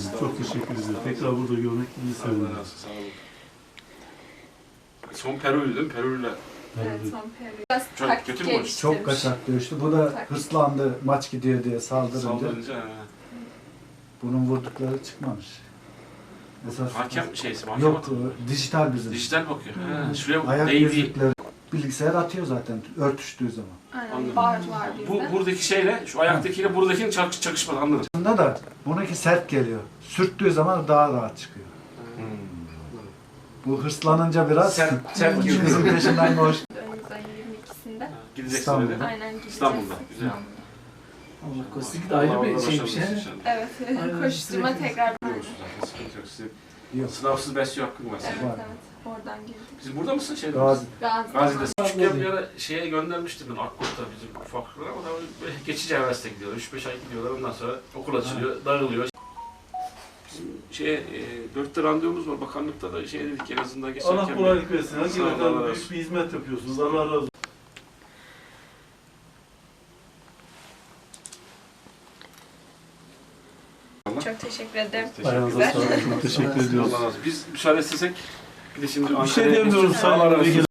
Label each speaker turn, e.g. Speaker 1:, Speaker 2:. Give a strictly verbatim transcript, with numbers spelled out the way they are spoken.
Speaker 1: Çok teşekkür ederim. Tekrar burada görmek iyi sevindim.
Speaker 2: Allah razı olsun. Sağ olun. Son Peru'ydu değil mi? Peru'yla.
Speaker 3: Evet, son Peru. Biraz
Speaker 2: Çok
Speaker 3: taktik
Speaker 2: kötü mü
Speaker 3: geliştirmiş.
Speaker 4: Çok kaçak dövüştü. Bu da
Speaker 3: Taktik.
Speaker 4: hırslandı, maç gidiyor diye saldırınca.
Speaker 2: Saldırınca. he.
Speaker 4: Bunun vurdukları çıkmamış. Esas
Speaker 2: Hakem şeysi, hakem
Speaker 4: yok,
Speaker 2: atıyor.
Speaker 4: dijital bizim.
Speaker 2: Dijital bakıyor. He, şuraya
Speaker 4: Ayak
Speaker 2: değdi.
Speaker 4: yüzükleri bilgisayar atıyor zaten örtüştüğü zaman.
Speaker 3: Aynen,
Speaker 2: Anladım.
Speaker 3: bar var bizde.
Speaker 2: Bu buradaki şeyle, şu ayaktakiyle buradakinin çak, çakışmadı, anladım.
Speaker 4: Aslında da bununki sert geliyor. Sürttüğü zaman daha rahat çıkıyor. Bu hırslanınca biraz
Speaker 2: Sert- sert giriyor.
Speaker 4: kızın peşinden koş.
Speaker 3: Önümüz ayın yirmi ikisinde.
Speaker 2: Gideceksin
Speaker 4: İstanbul'da.
Speaker 2: öyle.
Speaker 3: Aynen gideceğiz.
Speaker 2: İstanbul'da, güzel.
Speaker 3: İstanbul'da.
Speaker 5: Allah korusun da ayrı bir şeymiş ya.
Speaker 3: Evet,
Speaker 5: Aynen,
Speaker 3: koşturma
Speaker 5: sürekli
Speaker 3: tekrar.
Speaker 2: Biliyorsunuz zaten, sıkıntı yok. Sizin
Speaker 4: Yok.
Speaker 2: sınavsız besliyor hakkın var
Speaker 3: Evet,
Speaker 2: senin.
Speaker 4: Var.
Speaker 3: evet. Oradan girdik.
Speaker 2: Siz burada mısın şeyde?
Speaker 4: Gazi.
Speaker 3: Gazi.
Speaker 2: Gazi'de. Küçükken bir ara şeye göndermiştim ben Akkurt'ta bizim ufaklıklar ama daha böyle geçici hevesle gidiyorlar. üç beş ay gidiyorlar, ondan sonra okul açılıyor, dağılıyor. Bizim şeye, e, dörtte randevumuz var, bakanlıkta da şey dedik en azından geçerken...
Speaker 1: Allah kolaylık versin.
Speaker 2: Sağ olun,
Speaker 1: Hakikaten
Speaker 2: Allah razı
Speaker 1: büyük
Speaker 2: olsun.
Speaker 1: bir hizmet yapıyorsunuz. Allah razı olsun.
Speaker 3: Çok teşekkür ederim.
Speaker 1: Ayağınıza
Speaker 3: Güzel.
Speaker 1: sağlık. Çok teşekkür ediyoruz.
Speaker 2: Allah razı olsun. Biz müsaade istesek, bir de şimdi
Speaker 1: Bir şey
Speaker 2: Ankara'ya
Speaker 1: demiyoruz
Speaker 2: geçeceğiz. Allah razı
Speaker 1: Sayın
Speaker 2: olsun.
Speaker 1: Vekil.